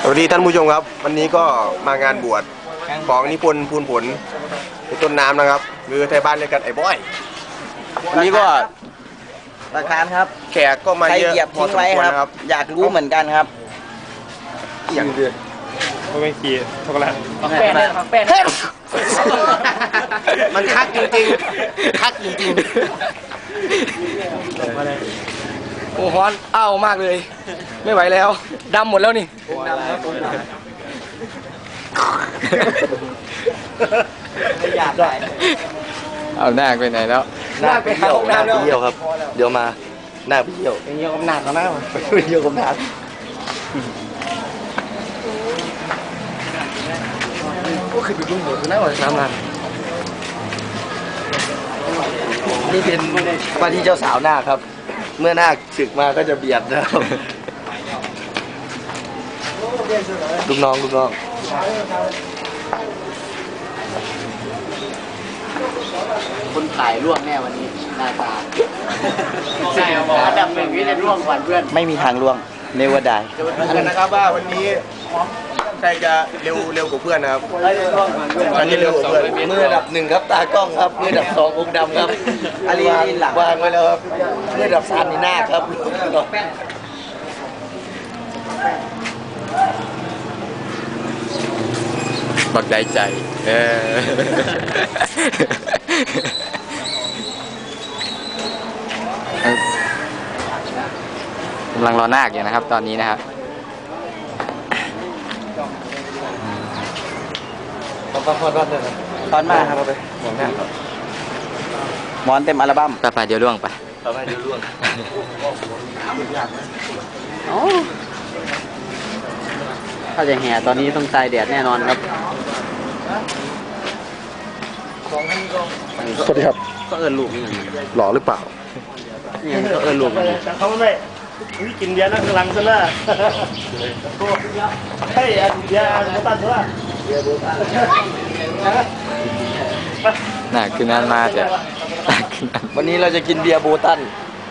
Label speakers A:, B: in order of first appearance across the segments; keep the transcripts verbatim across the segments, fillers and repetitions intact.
A: สวัสดีท่านผู้ชมครับวันนี้ก็มางานบวชของนิพนธ์พูนผลในต้นน้ำนะครับหรือไทยบ้านเรียกกันไอ้บอยวันนี้ก็
B: ประธานครับ
A: แขกก็มา
B: ใคร
A: เยอะ
B: เหยียบ
A: พอ
B: ทิ้ง
A: สม
B: ไว้
A: ควร
B: ครับ
A: นะครับ
B: อยากรู้เหมือนกันครับ
A: อย่างเดือด
C: ก็ไม่ขี่ช็อกโกแลต
B: แป้งแป้ง
A: มันคักจริงๆคักจริง
B: โอ้ฮ้อนอ้าวมากเลย ไม่ไหวแล้วดำหมดแล้วนี่ไม่อยากได้
D: เอาหน้าไปไหนแล้ว
B: หน้าไปเที่ยวหน้าไปเที่ยวครับ
A: เดี๋ยวมาหน้าไปเที่ยว
B: ไปเที่ยวกับหนักแล้วนะ
A: ไปเที่ยวกับน้ำ
B: ก็คือไปดูหมดนะว่าน้ำมันนี่เป็นว่าที่เจ้าสาวนาคครับ เมื่อนาคศึกมาก็จะเบียดนะครับลูกน้องลูกน้องคนถ่ายร่วงแน่วันนี้หน้าตาใช่ครับอันดับหนึ่งที่จะร่วงก่อนเพื่อนไม่มีทางร่วงเนวดาย
A: ดูกันนะครับว่าวันนี้ใครจะเร็วเร็วกว่าเพื่อนนะครับใครจะเร็วกว่าเพื่อน
B: มืออันดับหนึ่งครับตากล้องครับมืออันดับสององค์ดำครับอันนี้หลังวางไว้แล้วครับมืออันดับสามนี่หน้าครับ
D: บักได้ใจ เออกำลังรอนาคอยู่นะครับ ตอนนี้นะครับ
B: ตอนมาครับหมอนเต็มอัลบั้ม
D: ไปไปเดี๋ยวล่วงไป
B: ต่อไปดูร่วงถ้าจะแห่ตอนนี้ต้องตายแดดแน่นอนครับ
A: สวัสดีครับ
B: ก็เอิญลูกนี่
A: หล่อหรือเปล่า
B: เนี่ยก็เอิญลูกนี่
C: เขาไม่ไม่กินเบียร์นั่งกำลังซะละเฮ้ยเบียร์โบตันซะละ
D: น่าคือนั่นมากเลยน่าคือนั่น
B: วันนี้เราจะกินเบียร์โบตัน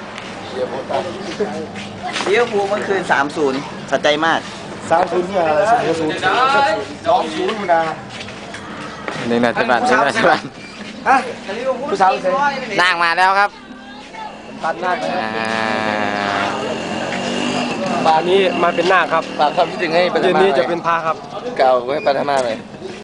B: เบียร์พูเมื่อคืนสามศูนย์สะใจมาก
C: สามศูนย์เนี่ยสองศูนย์สองศูนย์นะ
D: นี่นะที่บ้านนี่นะที่บ้าน
C: ฮะผู้สาวเซ่
D: นั่งมาแล้วครับ
C: ตัดหน้า
D: อ่า
C: ป่านนี้มาเป็นหน้าครับ
B: ฝากความคิดถึงให้ปัท
C: เย็น
B: มา
C: นี้
B: หน่
C: จะ
B: อย
C: เป็นพาครับ
B: เก่าไว้ปัทมาเลย